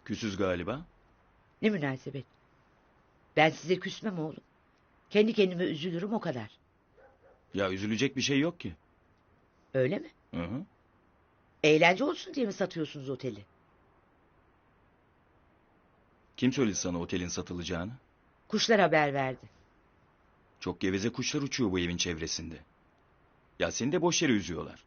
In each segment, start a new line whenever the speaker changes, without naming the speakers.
Küsüz galiba.
Ne münasebet. Ben size küsmem oğlum. Kendi kendime üzülürüm o kadar.
Ya üzülecek bir şey yok ki.
Öyle mi?
Hı hı.
Eğlence olsun diye mi satıyorsunuz oteli?
Kim söyledi sana otelin satılacağını?
Kuşlar haber verdi.
Çok geveze kuşlar uçuyor bu evin çevresinde. Ya seni de boş yere üzüyorlar.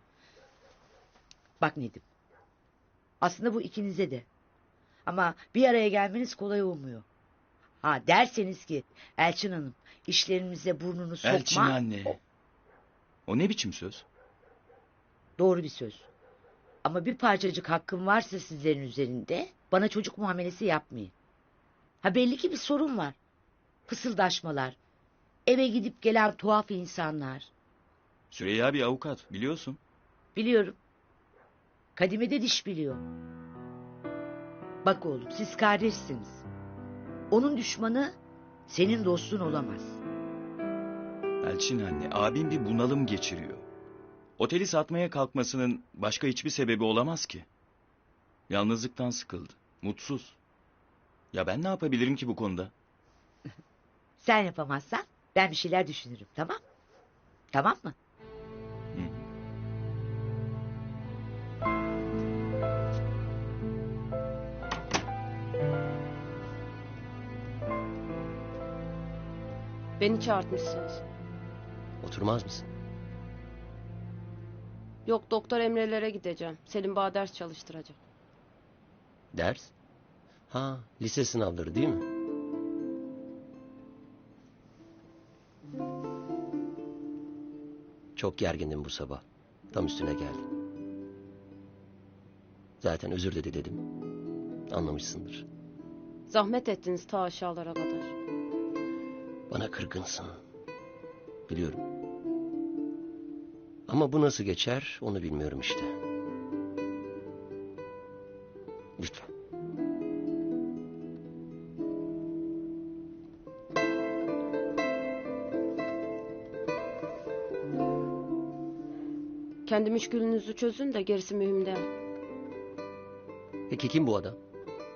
Bak Nedim. Aslında bu ikinize de. Ama bir araya gelmeniz kolay olmuyor. Ha derseniz ki Elçin Hanım işlerimize burnunu sokma.
Elçin anne. O ne biçim söz?
Doğru bir söz. Ama bir parçacık hakkım varsa sizlerin üzerinde bana çocuk muamelesi yapmayın. Ha belli ki bir sorun var. Fısıldaşmalar. Eve gidip gelen tuhaf insanlar.
Süreyya bir avukat biliyorsun.
Biliyorum. Kadime de diş biliyor. Bak oğlum siz kardeşsiniz. Onun düşmanı senin dostun olamaz.
Elçin anne, abim bir bunalım geçiriyor. Oteli satmaya kalkmasının başka hiçbir sebebi olamaz ki. Yalnızlıktan sıkıldı, mutsuz. Ya ben ne yapabilirim ki bu konuda?
Sen yapamazsan ben bir şeyler düşünürüm, tamam? Tamam mı?
Hı.
Beni çağırtmışsınız.
Oturmaz mısın?
Yok, Doktor Emre'lere gideceğim. Selim Bağ ders çalıştıracak.
Ders? Ha, lise sınavları değil mi? Çok gergindim bu sabah. Tam üstüne geldim. Zaten özür dedi dedim. Anlamışsındır.
Zahmet ettiniz ta aşağılara kadar.
Bana kırgınsın. Biliyorum. Ama bu nasıl geçer onu bilmiyorum işte. Lütfen.
Kendi müşkülünüzü çözün de gerisi mühim değil.
Peki kim bu adam?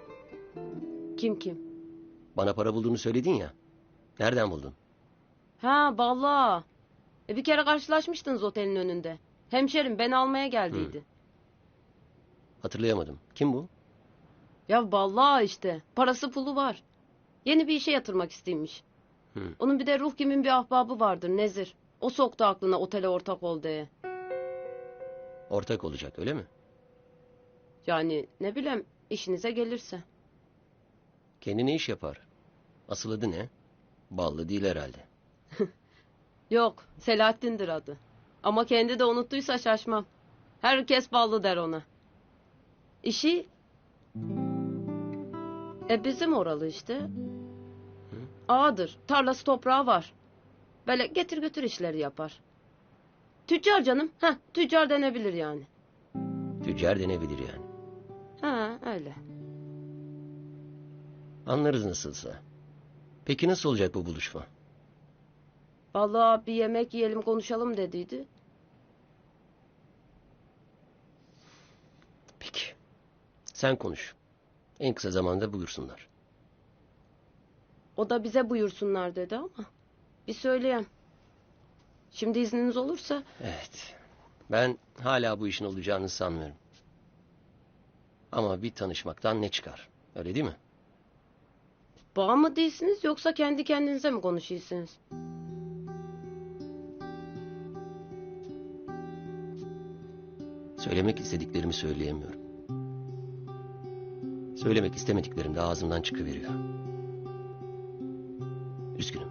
Kim?
Bana para bulduğunu söyledin ya. Nereden buldun?
Ha vallahi. Bir kere karşılaşmıştınız otelin önünde. Hemşerim beni almaya geldiydi.
Hatırlayamadım. Kim bu?
Ya vallahi işte parası pulu var. Yeni bir işe yatırmak isteymiş. Onun bir de ruh kimin bir ahbabı vardır Nezir. O soktu aklına otele ortak ol diye.
Ortak olacak öyle mi?
Yani ne bileyim işinize gelirse.
Kendine iş yapar. Asıl adı ne? Ballı değil herhalde.
Yok, Selahattin'dir adı. Ama kendi de unuttuysa şaşmam. Herkes ballı der ona. İşi... bizim oralı işte. Ağadır, tarlası toprağı var. Böyle getir götür işleri yapar. Tüccar canım, tüccar denebilir yani.
Tüccar denebilir yani.
Ha, öyle.
Anlarız nasılsa. Peki nasıl olacak bu buluşma?
Vallahi bir yemek yiyelim konuşalım dediydi.
Peki. Sen konuş. En kısa zamanda buyursunlar.
O da bize buyursunlar dedi ama. Bir söyleyeyim. Şimdi izniniz olursa...
Evet. Ben hala bu işin olacağını sanmıyorum. Ama bir tanışmaktan ne çıkar? Öyle değil mi?
Bağ mı değilsiniz yoksa kendi kendinize mi konuşuyorsunuz?
Söylemek istediklerimi söyleyemiyorum. Söylemek istemediklerim de ağzımdan çıkıveriyor. Üzgünüm.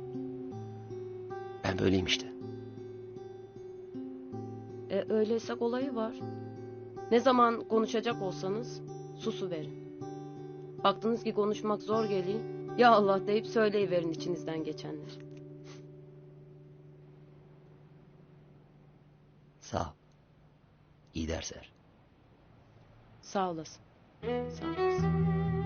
Ben böyleyim işte.
Öyleyse kolayı var. Ne zaman konuşacak olsanız susuverin. Baktınız ki konuşmak zor geliyor. Ya Allah deyip söyleyiverin içinizden geçenler.
Sağ ol. İyi dersler.
Sağ olasın. Sağ olasın.